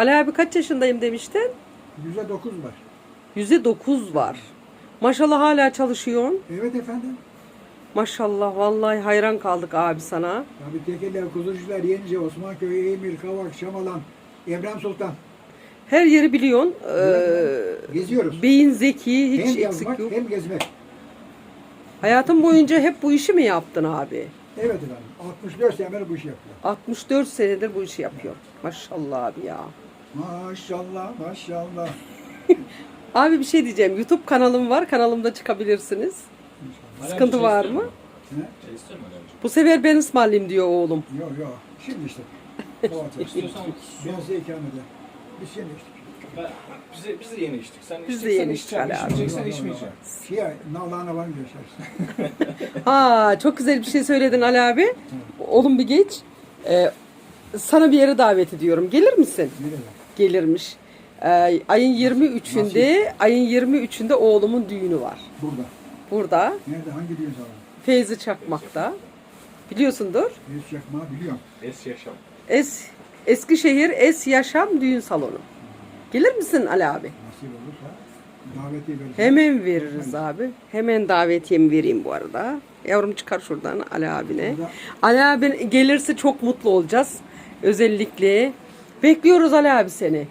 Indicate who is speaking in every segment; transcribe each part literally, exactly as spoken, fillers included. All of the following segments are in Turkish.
Speaker 1: Ali abi kaç yaşındayım demiştin?
Speaker 2: Yüzde dokuz var.
Speaker 1: Yüzde dokuz var. Maşallah hala çalışıyorsun.
Speaker 2: Evet efendim.
Speaker 1: Maşallah vallahi hayran kaldık abi sana.
Speaker 2: Tabii tekeller, kuzucular, Yenice, Osmanköy, Emir, Kavak, Şamalan, Evren Sultan.
Speaker 1: Her yeri biliyorsun.
Speaker 2: Evet,
Speaker 1: Ee,
Speaker 2: geziyoruz.
Speaker 1: beyin zeki, hiç
Speaker 2: Hem
Speaker 1: eksik
Speaker 2: yazmak
Speaker 1: yok.
Speaker 2: hem gezmek.
Speaker 1: Hayatın boyunca hep bu işi mi yaptın abi?
Speaker 2: Evet efendim. altmış dört senedir bu işi yapıyor.
Speaker 1: altmış dört senedir bu işi yapıyor. Maşallah abi ya.
Speaker 2: Maşallah maşallah.
Speaker 1: Abi bir şey diyeceğim. YouTube kanalım var. Kanalımda çıkabilirsiniz. Sıkıntı var mı?
Speaker 2: Ne?
Speaker 3: Şey istiyor musun Alevciğim?
Speaker 1: Bu sefer ben ısmarlayayım diyor oğlum.
Speaker 2: Yok yok. Şimdi işte. Domates.
Speaker 3: İstiyorsan
Speaker 2: Ben size ikramede. Biz yeni içtik.
Speaker 3: ben, biz, de, biz de yeni içtik. Sen
Speaker 1: Biz de
Speaker 3: içeceksen
Speaker 1: yeni
Speaker 3: içeceksin,
Speaker 1: içtik Ali abi.
Speaker 3: içmeyeceksen içmeyeceksin.
Speaker 2: Şey, nalağına var mı yaşarsın?
Speaker 1: Ha, çok güzel bir şey söyledin Ali abi. Oğlum bir geç. Ee, sana bir yere davet ediyorum. Gelir misin?
Speaker 2: Nereye?
Speaker 1: Gelirmiş. Ee, ayın yirmi üçünde, ayın yirmi üçünde oğlumun düğünü var.
Speaker 2: Burada.
Speaker 1: Burada.
Speaker 2: Nerede? Hangi düğün salonu?
Speaker 1: Feyzi Çakmak'ta. Biliyorsundur.
Speaker 2: Reis Çakmağı biliyorum.
Speaker 3: Es yaşam.
Speaker 1: Es Eskişehir Es Yaşam Düğün Salonu. Gelir misin Ali abi?
Speaker 2: Nasip olursa daveti veririz.
Speaker 1: Hemen veririz abi. Hemen davetiyemi vereyim bu arada. Yavrum çıkar şuradan Ali abine.
Speaker 2: Burada-
Speaker 1: Ali abi gelirse çok mutlu olacağız. Özellikle. Bekliyoruz Ali abi seni.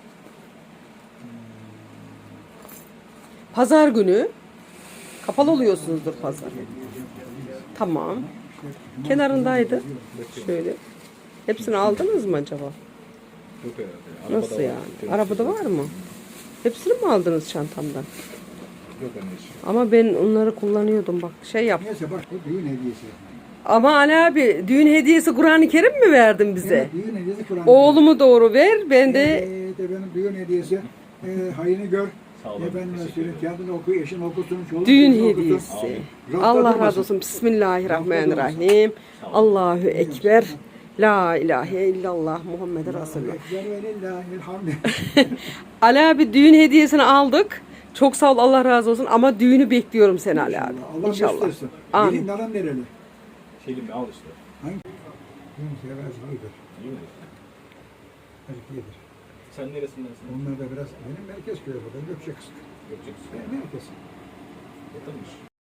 Speaker 1: Pazar günü. Kapalı oluyorsunuzdur pazar. Tamam. Kenarındaydı. Şöyle. Hepsini aldınız mı acaba?
Speaker 3: Yok herhalde.
Speaker 1: Nasıl yani? Arabada var mı? Hepsini mi aldınız çantamdan?
Speaker 3: Yok anneciğim.
Speaker 1: Ama ben onları kullanıyordum bak şey yap.
Speaker 2: Neyse bak bu düğün hediyesi.
Speaker 1: Ama Ali abi düğün hediyesi Kur'an-ı Kerim mi verdin bize?
Speaker 2: Evet, düğün hediyesi Kur'an.
Speaker 1: Oğlumu doğru ver ben de
Speaker 2: Evet efendim düğün hediyesi. E, hayını gör.
Speaker 3: Sağ olun.
Speaker 2: Efendim
Speaker 3: Teşekkür
Speaker 2: söyle. Kendini oku, eşin okusun. Çoluk
Speaker 1: düğün
Speaker 2: çocuğun okusun.
Speaker 1: hediyesi.
Speaker 2: Rafta
Speaker 1: Allah
Speaker 2: durmasın.
Speaker 1: razı olsun. Bismillahirrahmanirrahim. Allahu Ekber. La ilahe illallah Muhammed Resulullah.
Speaker 2: Ekber ve lillahilhamd.
Speaker 1: Ali abi düğün hediyesini aldık. Çok sağ ol Allah razı olsun ama düğünü bekliyorum seni Ali abi.
Speaker 2: Allah
Speaker 1: İnşallah.
Speaker 2: göstersin.
Speaker 1: Amin.
Speaker 2: Gelin nalan nereli?
Speaker 3: Şeylim al işte.
Speaker 2: Hangi? Düğün sevazlıydır.
Speaker 3: İyi mi?
Speaker 2: Erkeğidir.
Speaker 3: Sen neresindensin?
Speaker 2: Onlar da biraz benim merkez köyü burada. Gökçe kısık.
Speaker 3: Gökçeküsü.
Speaker 2: Ben merkez.
Speaker 3: Yakınmış.